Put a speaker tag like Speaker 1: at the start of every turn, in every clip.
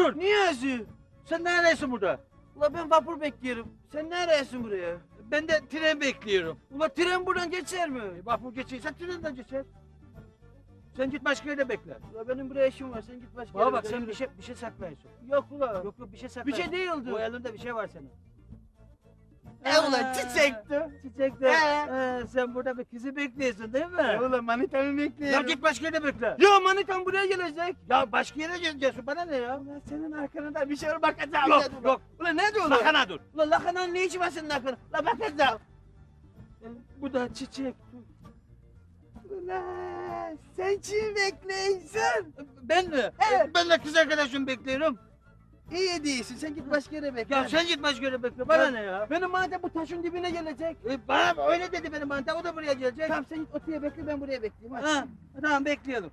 Speaker 1: dur.
Speaker 2: Niyazi.
Speaker 1: Sen neredesin burada?
Speaker 2: Ula ben vapur bekliyorum. Sen neredesin buraya?
Speaker 1: Ben de tren bekliyorum.
Speaker 2: Ula tren buradan geçer mi?
Speaker 1: Vapur geçiyorsa trenden geçer. Sen git başka yerde bekle.
Speaker 2: Ula benim buraya işim var. Sen git başka
Speaker 1: Bana
Speaker 2: yere
Speaker 1: bak
Speaker 2: bekle,
Speaker 1: sen
Speaker 2: yürü.
Speaker 1: bir şey saklıyorsun.
Speaker 2: Yok ula.
Speaker 1: Yok bir şey
Speaker 2: Bir
Speaker 1: saklıyorsun.
Speaker 2: şey değildi.
Speaker 1: Bu elinde bir şey var senin.
Speaker 2: Ulan çiçekti.
Speaker 1: Çiçek de. Sen burada bir kızı bekliyorsun değil mi?
Speaker 2: Ulan manitamı
Speaker 1: Ya
Speaker 2: bekliyorum.
Speaker 1: git başka yerde bekle.
Speaker 2: Yo manitam buraya gelecek.
Speaker 1: Ya başka yere gideceksin bana ne ya?
Speaker 2: Ulan senin arkanda bir şey var bakacağım.
Speaker 1: Yok,
Speaker 2: dedim.
Speaker 1: yok.
Speaker 2: Ulan ne diyorsun?
Speaker 1: Lakana dur.
Speaker 2: Ulan lakananın ne işi var senin arkanda? Ulan bakacağım.
Speaker 1: Bu da çiçek.
Speaker 2: Ulan sen kim bekliyorsun?
Speaker 1: Ben mi?
Speaker 2: Evet.
Speaker 1: Ben de kız arkadaşımı bekliyorum.
Speaker 2: İyi değilsin. Sen git başka yere bekle.
Speaker 1: Ya sen git başka yere bekle. Bana ne ya?
Speaker 2: Benim madem bu taşın dibine gelecek.
Speaker 1: Bana öyle dedi benim manita. O da buraya gelecek.
Speaker 2: Tamam sen git otuya bekle ben buraya bekleyeyim. Hadi.
Speaker 1: Ha, tamam bekleyelim.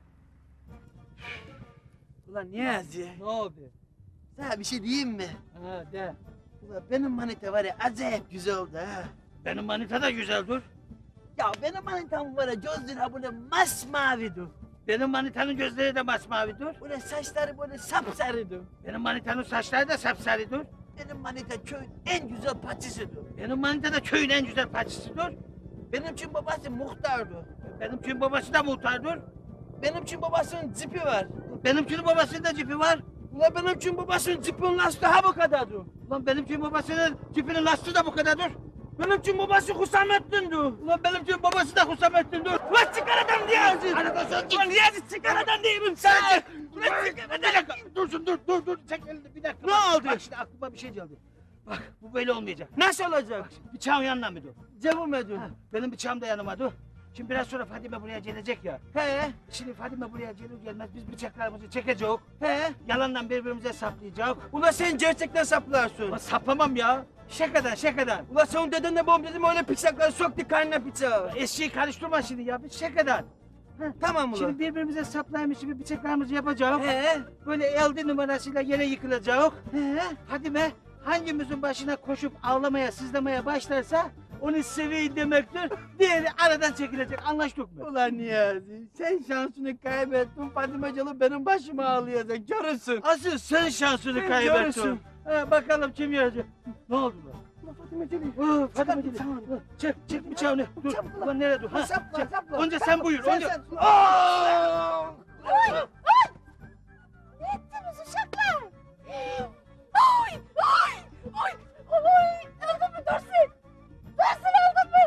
Speaker 2: Ulan Niyazi.
Speaker 1: Ne oldu?
Speaker 2: Sana bir şey diyeyim mi?
Speaker 1: Ha de.
Speaker 2: Ulan benim manita var ya acayip güzel oldu ha.
Speaker 1: Benim manita da güzel dur.
Speaker 2: Ya benim manitam var ya gözleri ha böyle masmavidir.
Speaker 1: Benim manitanın gözleri de masmavi dur.
Speaker 2: Böyle saçları böyle sapsarıdır.
Speaker 1: Benim manitanın saçları da sapsarı dur.
Speaker 2: Benim manita köyün en güzel paçısıdır.
Speaker 1: Benim manita da köyün en güzel paçısı dur.
Speaker 2: Benim için babası muhtardı.
Speaker 1: Benim köyün babası da muhtar dur.
Speaker 2: Benim için babasının cipi var.
Speaker 1: Benim köyün babasının da cipi var.
Speaker 2: Ulan benim için babasının cipinin lastiği ha bu kadardı.
Speaker 1: Ulan benim köyün babasının cipinin lastiği de bu kadar dur.
Speaker 2: Benim için babası Hüsamettin'di.
Speaker 1: Ulan benim köyün babası da Hüsamettin dur.
Speaker 2: Ulan çıkar adam Niyazi.
Speaker 1: Arada sen git.
Speaker 2: Ulan Niyazi çıkar adam değilim sana.
Speaker 1: Ulan bir dakika. Dursun dur. Çek elini bir dakika.
Speaker 2: Ne
Speaker 1: Bak,
Speaker 2: oldu?
Speaker 1: Bak şimdi aklıma bir şey geldi. Bak bu böyle olmayacak.
Speaker 2: Nasıl olacak?
Speaker 1: Bıçağın yanına mı dur?
Speaker 2: Cevim edin.
Speaker 1: Benim bıçağım da yanıma dur. Şimdi biraz sonra Fadime buraya gelecek ya.
Speaker 2: He
Speaker 1: Şimdi Fadime buraya gelir gelmez biz bıçaklarımızı çekeceğiz.
Speaker 2: he.
Speaker 1: Yalandan birbirimize saplayacağız.
Speaker 2: Ulan sen gerçekten saplarsın.
Speaker 1: Ulan saplamam ya. Şakadan.
Speaker 2: Ulan sen deden de babam dedim öyle bıçakları soktu karnına bıçağı.
Speaker 1: Eşeği karıştırma şimdi ya. Biz şakadan.
Speaker 2: Tamam ulan.
Speaker 1: Şimdi birbirimize saplaymış gibi bıçaklarımızı yapacağız.
Speaker 2: He
Speaker 1: Böyle elde numarasıyla yere yıkılacağız.
Speaker 2: he.
Speaker 1: Fadime hangimizin başına koşup ağlamaya sızlamaya başlarsa onu seveyim demektir. Diğeri aradan çekilecek. Anlaştık mı?
Speaker 2: Ulan Niyazi sen şansını kaybettin Fatime Calı benim başıma ağlayacak görürsün.
Speaker 1: Asıl sen şansını
Speaker 2: Sen
Speaker 1: kaybettin.
Speaker 2: görürsün.
Speaker 1: Bakalım kim yenecek. Ne oldu lan?
Speaker 2: Ulan Fatime Calı.
Speaker 1: Fadime gidi. Çek bıçağını. Dur.
Speaker 2: Çabuk
Speaker 1: Ulan nereye dur? Ha,
Speaker 2: Sapla
Speaker 1: çek.
Speaker 2: sapla.
Speaker 1: Önce sen buyur. Önce.
Speaker 2: Sen.
Speaker 1: Aa!
Speaker 3: Oy! Oy! Ne ettiniz uşaklar? Oy! Oy! Oy! Oy! Öldün mü Dursun? Dursun öldün mü?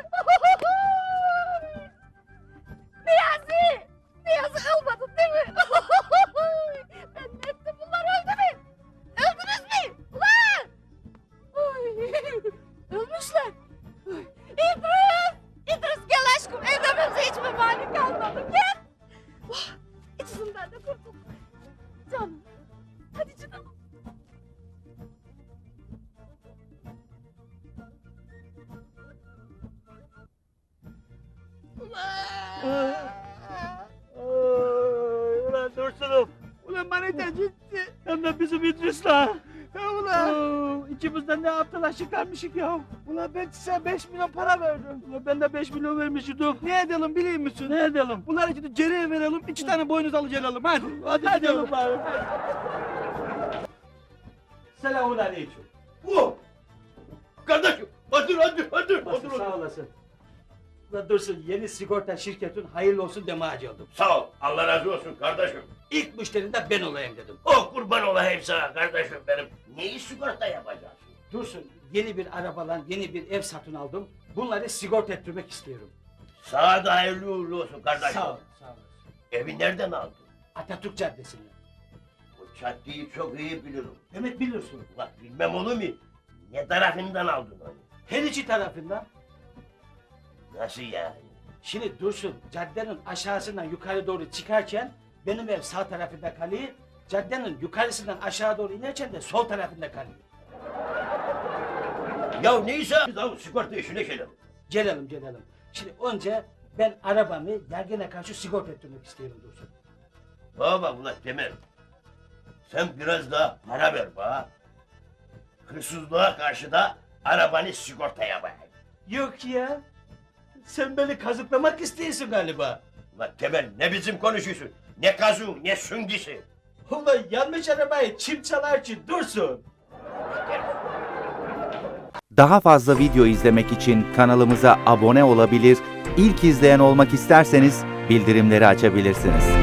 Speaker 3: Niyazi! Niyazi ölmedin değil mi? Ben ne ettim bunlar öldü mü? Öldünüz mü? Ulan! Oy! Ölmüşler. Oy! İdris! İdris gel aşkım evlenmemize hiç mi mani kalmadı? Gel! Oh, İçinden de kurtulduk. Canım. Hadi canım.
Speaker 1: Ulan Dursun'um.
Speaker 2: Ulan manita gitti.
Speaker 1: Hem de bizim İdris'la.
Speaker 2: Ya ulan.
Speaker 1: İkimizden ne aptala çıkarmışık ya.
Speaker 2: Ulan ben size 5 milyon para verdim.
Speaker 1: Ulan ben de 5 milyon vermiştim.
Speaker 2: Ne edelim biliyor musun?
Speaker 1: Ne edelim?
Speaker 2: Bunları şimdi geriye verelim, 2 tane boynuz alıcı hadi.
Speaker 1: Hadi gidelim bari. Selamun aleyküm.
Speaker 4: Kardeşim, hadi.
Speaker 1: Basın sağ olasın. Ulan Dursun yeni sigorta şirketin hayırlı olsun demeye geldim.
Speaker 4: Sağ ol, Allah razı olsun kardeşim.
Speaker 1: İlk müşterin de ben olayım dedim.
Speaker 4: Oh kurban olayım sana kardeşim benim. Neyi sigorta yapacaksın?
Speaker 1: Dursun yeni bir arabalan yeni bir ev satın aldım. Bunları sigorta ettirmek istiyorum.
Speaker 4: Sana da hayırlı uğurlu olsun kardeşim.
Speaker 1: Sağ ol. Sağ olasın.
Speaker 4: Evi nereden aldın?
Speaker 1: Atatürk Caddesi'nde.
Speaker 4: Bu caddeyi çok iyi bilirim.
Speaker 1: Demek biliyorsun.
Speaker 4: Ulan bilmem olur mu? Ne tarafından aldın onu?
Speaker 1: Her iki tarafından.
Speaker 4: Nasıl yani?
Speaker 1: Şimdi Dursun caddenin aşağısından yukarı doğru çıkarken benim ev sağ tarafında kalıyor. Caddenin yukarısından aşağı doğru inerken de sol tarafında kalıyor.
Speaker 4: Ya neyse, biz sigorta işine gelelim.
Speaker 1: Gelelim. Şimdi önce ben arabamı yargına karşı sigorta ettirmek istiyorum Dursun.
Speaker 4: Baba ulan Temel. Sen biraz daha para ver bana. Hırsızlığa karşı da arabanı sigorta yapayım.
Speaker 1: Yok ya. Sen beni kazıklamak istiyorsun galiba.
Speaker 4: Ulan Temel ne bizim konuşuyorsun? Ne kazığı ne süngüsü.
Speaker 1: Ulan yanlış arabayı çim çalar için dursun.
Speaker 5: Daha fazla video izlemek için kanalımıza abone olabilir, ilk izleyen olmak isterseniz bildirimleri açabilirsiniz.